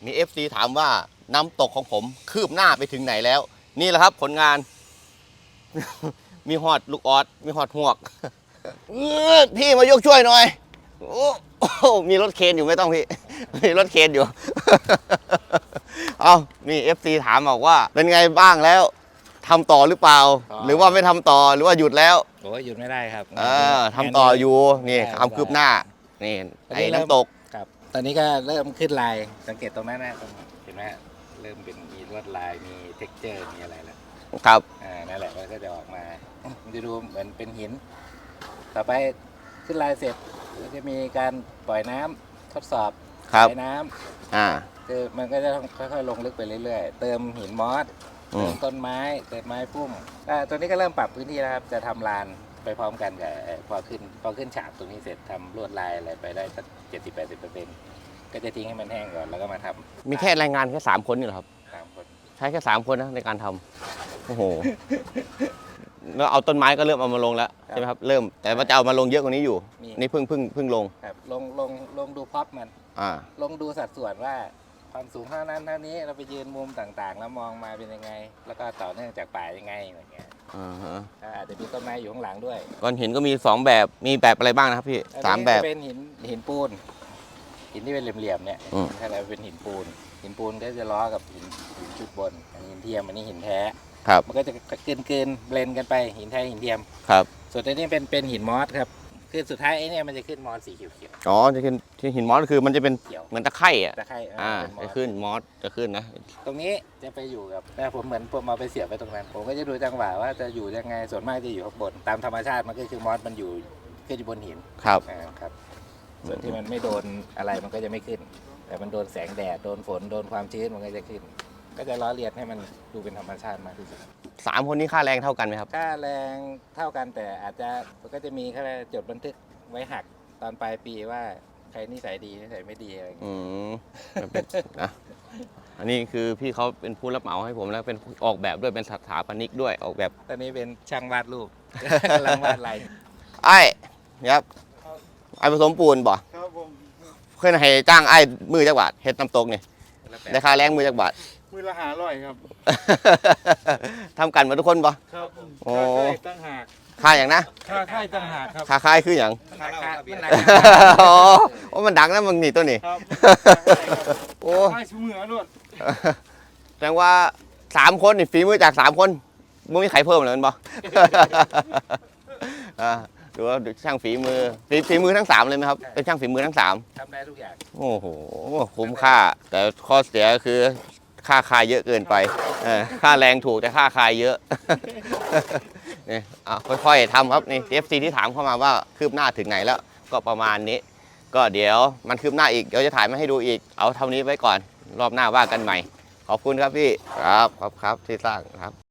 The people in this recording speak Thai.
มี FC ถามว่าน้ำตกของผมคืบหน้าไปถึงไหนแล้วนี่แหละครับผลงาน มีหอดลูกออดมีหอดหวก พี่มายกช่วยหน่อยโอ้มีรถเคนอยู่ไม่ต้องพี่ มีรถเคนอยู่ เอามี FC ถามบอกว่าเป็นไงบ้างแล้วทำต่อหรือเปล่า หรือว่าไม่ทำต่อหรือว่าหยุดแล้วโอ้ยหยุดไม่ได้ครับทำต่ออยู่นี่ความคืบหน้านี่ไอ้น้ำตกครับตอนนี้ก็เริ่มขึ้นลายสังเกตตรงนั้นนะเห็นไหมเริ่มเป็นมีลวดลายมีเท็กเจอร์มีอะไรแล้วครับนั่นแหละมันก็จะออกมามันจะดูเหมือนเป็นหินต่อไปขึ้นลายเสร็จก็จะมีการปล่อยน้ำทดสอบใช้น้ำคือมันก็จะค่อยๆลงลึกไปเรื่อยๆเติมหินมอสเติมต้นไม้เติมไม้พุ่มตัวนี้ก็เริ่มปรับพื้นที่แล้วครับจะทำลานไปพร้อมกันกับพอขึ้นฉากตรงนี้เสร็จทำลวดลายอะไรไปได้สัก70-80%ก็จะทิ้งให้มันแห้งก่อนแล้วก็มาทำมีแค่แรงงานแค่3 คนนี่เหรอครับ 3 คนใช้แค่3 คนนะในการทำโอ้โหแล้วเอาต้นไม้ก็เริ่มเอามาลงแล้วใช่ไหมครับเริ่มแต่ว่าจะเอามาลงเยอะกว่านี้อยู่นี่เพิ่งลงครับลงดูพ็อปมันลงดูสัดส่วนว่าความสูงเท่านั้นเท่านี้เราไปยืนมุมต่างๆแล้วมองมาเป็นยังไงแล้วก็ต่อเนื่องจากป่ายังไงอะไรเงี้ยอาจจะมีต้นไม้อยู่ข้างหลังด้วยก้อนหินก็มี2 แบบมีแบบอะไรบ้างนะครับพี่3 แบบเป็นหินปูนหินที่เป็นเหลี่ยมๆเนี่ยถ้าเราเป็นหินปูนก็จะล้อกับหินชุดบนหินเทียมอันนี้หินแท้มันก็จะเกินเบลนกันไปหินแท้หินเทียมครับส่วนตัวนี้เป็นหินมอสครับคือสุดท้ายไอ้นี่มันจะขึ้นมอสสีเขียวอ๋อจะขึ้นที่หินมอสคือมันจะเป็นเหมือนตะไคร่จะขึ้นมอสจะขึ้นนะตรงนี้จะไปอยู่กับผมเหมือนผมเอาไปเสียบไปตรงนั้นผมก็จะดูจังหวะว่าจะอยู่ยังไงส่วนมากจะอยู่ข้างบนตามธรรมชาติมันก็คือมอสมันอยู่ขึ้นอยู่บนหินครับส่วนที่มันไม่โดนอะไรมันก็จะไม่ขึ้นแต่มันโดนแสงแดดโดนฝนโดนความชื้นมันก็จะขึ้นก็จะล้อเลียนให้มันดูเป็นธรรมชาติมากที่สุด 3 คนนี้ค่าแรงเท่ากันไหมครับค่าแรงเท่ากันแต่อาจจะก็จะมีแค่จดบันทึกไว้หักตอนปลายปีว่าใครนิสัยดีนิสัยไม่ดีอะไรอย่างเงี้ยนะอันนี้คือพี่เขาเป็นผู้รับเหมาให้ผมแล้วเป็นออกแบบด้วยเป็นสถาปนิกด้วยออกแบบตอนนี้เป็นช่างวาดรูปกำลังวาดลายไอ้ครับไอ้ผสมปูนบ่ครับผมเคยให้จ้างไอ้มือจักบาทเฮ็ดน้ำตกนี่ได้ค่าแรงมือจักบาทมือละ500ครับทำกันมาทุกคนบ่ครับโอ้ตั้งหากค่าอย่างนะค่าค่ายตั้งหากครับค่าค่ายคืออย่างโอ้มันดังนะมึงนี่ตัวนี้โอ้ค่ายชูมือล้วนแสดงว่า3 คนนี่ฝีมือจาก3 คนมึงมีใครเพิ่มเลยมั้ยบ่ดูว่าช่างฝีมือทั้ง3เลยไหมครับเป็นช่างฝีมือทั้ง3 ทำได้ทุกอย่างโอ้โหคุ้มค่าแต่ข้อเสียคือค่าคายเยอะเกินไปค่าแรงถูกแต่ค่าคายเยอะนี่ค่อยๆทำครับนี่ FC ที่ถามเข้ามาว่าคืบหน้าถึงไหนแล้วก็ประมาณนี้ก็เดี๋ยวมันคืบหน้าอีกเดี๋ยวจะถ่ายมาให้ดูอีกเอาเท่านี้ไว้ก่อนรอบหน้าว่ากันใหม่ขอบคุณครับพี่ครับที่สร้างครับ